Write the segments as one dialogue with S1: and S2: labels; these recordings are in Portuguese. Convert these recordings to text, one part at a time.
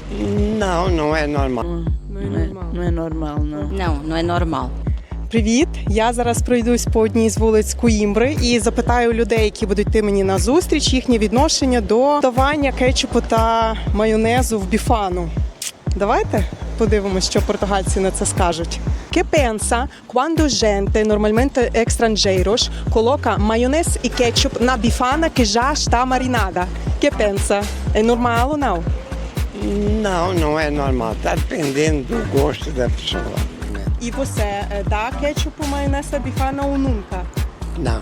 S1: Não, não é normal.
S2: Não é normal, não.
S3: Não, não é normal.
S4: Привіт! Я зараз пройдусь по одній з вулиць Коїмбри і запитаю людей, які будуть йти мені на зустріч, їхнє відношення до додавання кетчупу та майонезу в біфану. Давайте подивимось, що португальці на це скажуть. Che pensa quando gente normalmente estrangeiros coloca maionese e ketchup na bifana que já está marinada? Que pensa? É normal ou não?
S1: Não, não é normal. Está dependendo do gosto da pessoa.
S4: E você dá ketchup ou maionese na bifana ou nunca?
S1: Não,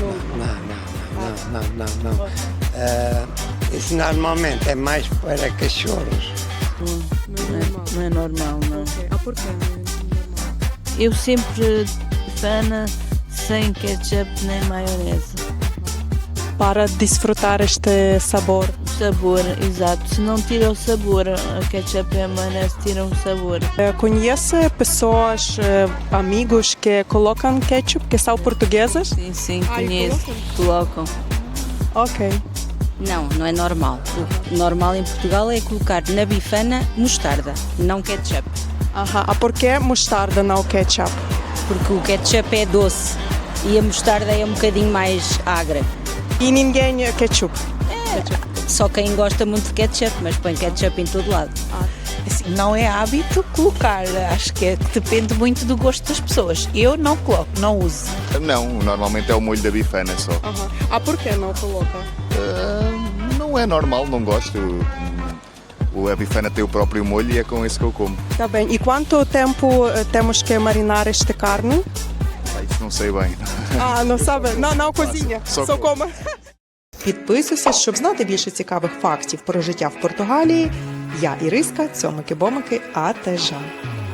S1: não. Isso normalmente é mais para cachorros.
S2: Não é normal, não.
S4: Ah, por quê?
S2: Eu sempre fana sem ketchup nem maionese.
S4: Para desfrutar este sabor.
S2: O sabor, exato. Se não tira o sabor, a ketchup e a maionese tiram o sabor.
S4: Conhece pessoas, amigos que colocam ketchup, que são portuguesas?
S2: Sim,
S4: Ah, e
S2: conheço. Colocam.
S4: Ok.
S3: Não, não é normal. O normal em Portugal é colocar na bifana mostarda, não ketchup.
S4: Aha. A por que mostarda, não ketchup?
S3: Porque o ketchup é doce e a mostarda é um bocadinho mais agra.
S4: E ninguém ketchup?
S3: Só quem gosta muito de ketchup, mas põe ketchup em todo lado.
S5: Assim, não é hábito colocar, acho que depende muito do gosto das pessoas. Eu não coloco, não uso.
S6: Não, normalmente é o molho da bifana só.
S4: Aha. A por que não coloca?
S6: Não é normal, não gosto. A bifana tem o próprio molho e é com esse que eu como.
S4: Tá bem. E quanto tempo temos que marinar esta carne?
S6: Isso não sei bem.
S4: Не sabe? Não cozinha.
S6: Só
S4: Só
S6: come.
S4: come. Підписуйся, щоб знати більше цікавих фактів про життя в Португалії. Я Іриска, цьомики-бомики, АТЖ.